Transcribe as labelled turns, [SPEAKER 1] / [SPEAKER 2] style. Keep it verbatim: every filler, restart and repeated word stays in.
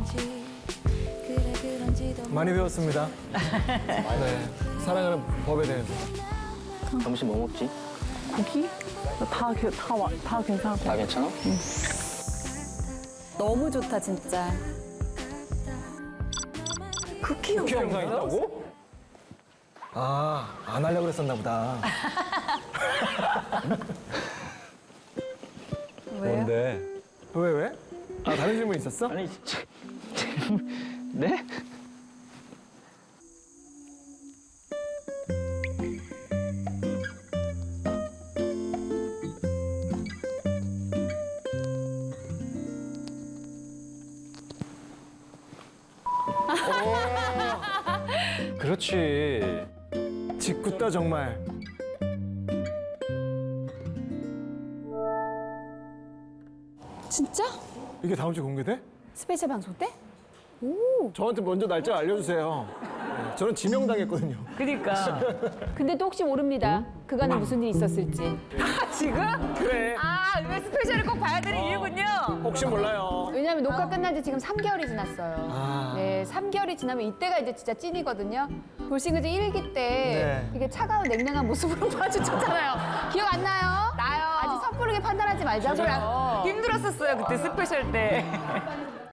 [SPEAKER 1] 많이 배웠습니다. 네, 사랑하는 법에 대해서.
[SPEAKER 2] 점심 뭐 먹지?
[SPEAKER 3] 고기? 다, 게- 다, 와- 다 괜찮아.
[SPEAKER 2] 다 괜찮아?
[SPEAKER 4] 너무 좋다 진짜.
[SPEAKER 3] 쿠키
[SPEAKER 1] 쿠키 영상 있다고? 아, 안 하려고 그랬었나 보다. 뭔데? 왜, 왜? 아, 다른 질문 있었어?
[SPEAKER 2] 아니, 저- 네? 그렇지.
[SPEAKER 1] 짓궂다, 정말.
[SPEAKER 4] 진짜?
[SPEAKER 1] 이게 다음 주에 공개돼?
[SPEAKER 4] 스페셜 방송 때?
[SPEAKER 1] 저한테 먼저 날짜 알려주세요. 네, 저는 지명당했거든요.
[SPEAKER 3] 그니까.
[SPEAKER 4] 근데 또 혹시 모릅니다. 그간에 무슨 일이 있었을지.
[SPEAKER 3] 지금?
[SPEAKER 1] 그래.
[SPEAKER 3] 아, 이거 스페셜을 꼭 봐야 되는 이유군요.
[SPEAKER 1] 혹시 몰라요.
[SPEAKER 4] 왜냐하면 녹화 끝난 지 지금 삼 개월이 지났어요.
[SPEAKER 1] 아.
[SPEAKER 4] 네, 삼 개월이 지나면 이때가 이제 진짜 찐이거든요. 돌싱그즈 일 기 때
[SPEAKER 1] 네.
[SPEAKER 4] 되게 차가운 냉랭한 모습으로 마주쳤잖아요. 기억 안 나요?
[SPEAKER 3] 나요.
[SPEAKER 4] 아직 섣부르게 판단하지 말자고요.
[SPEAKER 3] 힘들었었어요, 그때 스페셜 때.